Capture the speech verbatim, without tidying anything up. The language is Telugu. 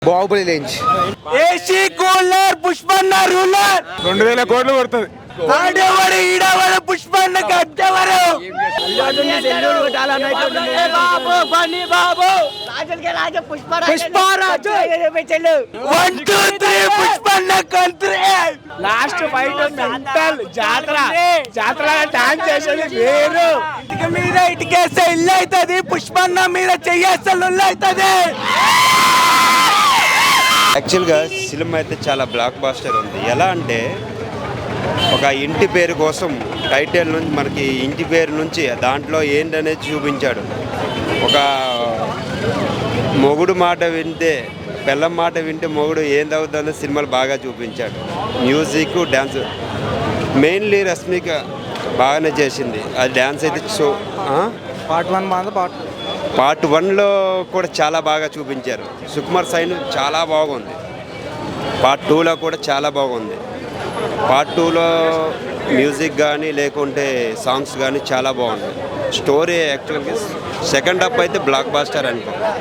Baahubali range AC cooler Pushpanna ruler రెండు వేల కోట్లు కొడుతుంది. ఆడేవాడు ఈడవాడు పుష్పన్న కట్టేవారు Pushparaju one two three Pushpanna కంత్రి లాస్ట్ ఫైట్ మెంటల్ జాతర జాతర డాన్స్ చేసేది వేరు. ఇటుక మీద ఇటుకేస్తే ఇల్లు అవుతుంది, పుష్పన్న మీద చెయ్యేస్తే ఇల్లు అవుతుంది. యాక్చువల్గా సినిమా అయితే చాలా బ్లాక్ బాస్టర్ ఉంది. ఎలా అంటే ఒక ఇంటి పేరు కోసం టైటిల్ నుంచి మనకి ఇంటి పేరు నుంచి దాంట్లో ఏంటనేది చూపించాడు. ఒక మొగుడు మాట వింటే పిల్లం మాట వింటే మొగుడు ఏందవుతుందో సినిమాలు బాగా చూపించాడు. మ్యూజిక్ డ్యాన్స్ మెయిన్లీ రష్మిక బాగానే చేసింది. అది డ్యాన్స్ అయితే సో పార్ట్ వన్ బాగుంది. పార్ట్ పార్ట్ వన్లో కూడా చాలా బాగా చూపించారు. సుకుమార్ సైన్ చాలా బాగుంది. పార్ట్ టూలో కూడా చాలా బాగుంది. పార్ట్ టూలో మ్యూజిక్ కానీ లేకుంటే సాంగ్స్ కానీ చాలా బాగుంది. స్టోరీ యాక్చువల్గా సెకండ్ హాఫ్ అయితే బ్లాక్ బాస్టర్ అనుకో.